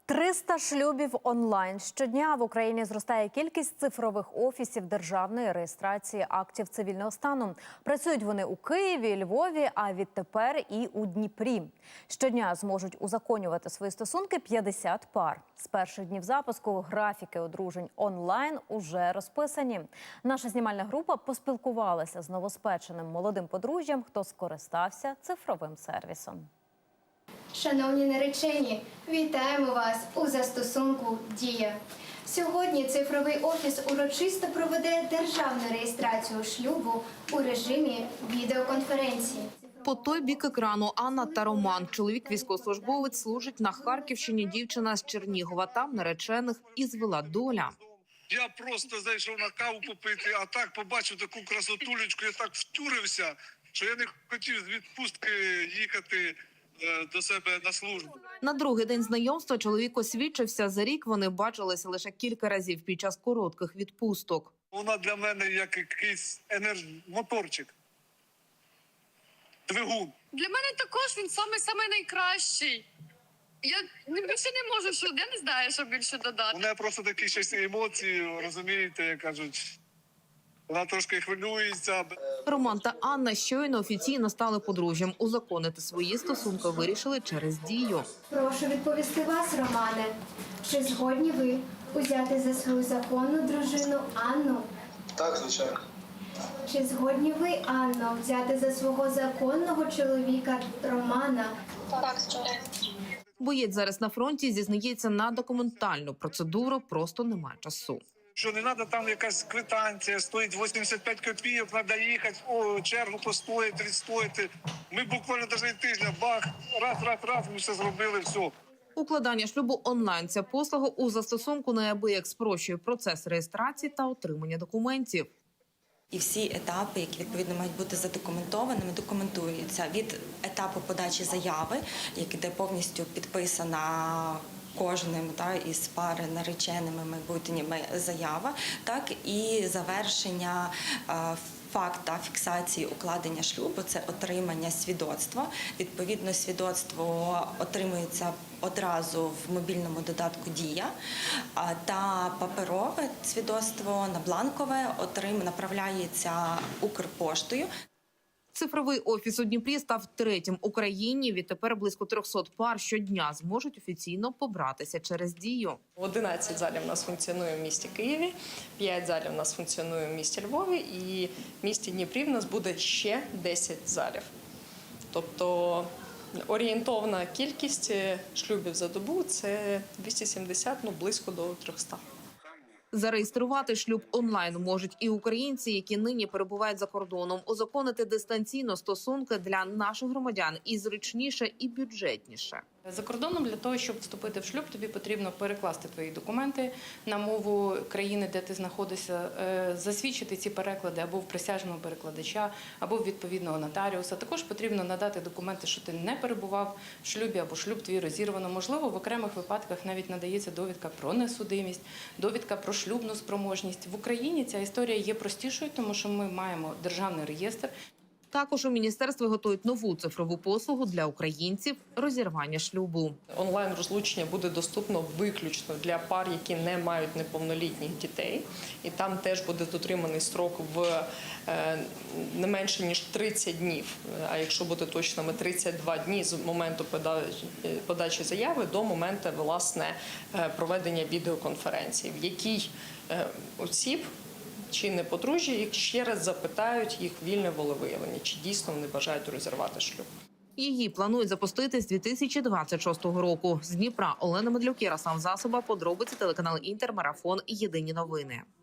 300 шлюбів онлайн. Щодня в Україні зростає кількість цифрових офісів державної реєстрації актів цивільного стану. Працюють вони у Києві, Львові, а відтепер і у Дніпрі. Щодня зможуть узаконювати свої стосунки 50 пар. З перших днів запуску графіки одружень онлайн уже розписані. Наша знімальна група поспілкувалася з новоспеченим молодим подружжям, хто скористався цифровим сервісом. Шановні наречені, вітаємо вас у застосунку «Дія». Сьогодні цифровий офіс урочисто проведе державну реєстрацію шлюбу у режимі відеоконференції. По той бік екрану Анна та Роман. Чоловік військовослужбовець, служить на Харківщині, дівчина з Чернігова. Там наречених і звела доля. Я просто зайшов на каву попити, а так побачив таку красотулечку, я так втюрився, що я не хотів з відпустки їхати до себе на службу. На другий день знайомства чоловік освідчився. За рік вони бачилися лише кілька разів під час коротких відпусток. Вона для мене як якийсь моторчик, двигун. Для мене також він саме найкращий. Я більше не можу, я не знаю, що більше додати. У неї просто такі щось емоції, розумієте, як кажуть. Вона трошки хвилюється. Роман та Анна щойно офіційно стали подружжям. Узаконити свої стосунки вирішили через Дію. Прошу відповісти вас, Романе. Чи згодні ви узяти за свою законну дружину Анну? Так, звичайно. Чи згодні ви, Анно, взяти за свого законного чоловіка Романа? Так, звичайно. Боєць зараз на фронті, зізнається, на документальну процедуру просто немає часу. Що не треба там якась квитанція, стоїть 85 копійок, треба їхати, чергу постояти, відстояти. Ми буквально навіть тижня, бах, раз, ми все зробили, все. Укладання шлюбу онлайн – ця послуга у застосунку неабияк спрощує процес реєстрації та отримання документів. І всі етапи, які відповідно мають бути задокументованими, документуються від етапу подачі заяви, де повністю підписана кожним із пари нареченими майбутніми заява, так і завершення факта фіксації укладення шлюбу – це отримання свідоцтва. Відповідно, свідоцтво отримується одразу в мобільному додатку «Дія», та паперове свідоцтво на бланкове направляється Укрпоштою. Цифровий офіс у Дніпрі став третім в Україні. Відтепер близько 300 пар щодня зможуть офіційно побратися через Дію. 11 залів у нас функціонує в місті Києві, 5 залів у нас функціонує в місті Львові і в місті Дніпрі в нас буде ще 10 залів. Тобто орієнтовна кількість шлюбів за добу – це 270, близько до 300. Зареєструвати шлюб онлайн можуть і українці, які нині перебувають за кордоном. Узаконити дистанційно стосунки для наших громадян і зручніше, і бюджетніше. За кордоном для того, щоб вступити в шлюб, тобі потрібно перекласти твої документи на мову країни, де ти знаходишся, засвідчити ці переклади або в присяжного перекладача, або в відповідного нотаріуса. Також потрібно надати документи, що ти не перебував в шлюбі або шлюб твій розірвано. Можливо, в окремих випадках навіть надається довідка про несудимість, довідка про шлюбну спроможність. В Україні ця історія є простішою, тому що ми маємо державний реєстр. Також у міністерстві готують нову цифрову послугу для українців – розірвання шлюбу. Онлайн-розлучення буде доступно виключно для пар, які не мають неповнолітніх дітей. І там теж буде дотриманий строк в не менше, ніж 30 днів. А якщо бути точними, 32 дні з моменту подачі заяви до моменту, власне, проведення відеоконференції, в якій осіб чи не подружжя, їх ще раз запитають їх вільне волевиявлення, чи дійсно вони бажають розірвати шлюб. Її планують запустити з 2026 року. З Дніпра Олена Медлюк, Ярослав Засоба, подробиці, телеканал Інтер, Марафон, Єдині новини.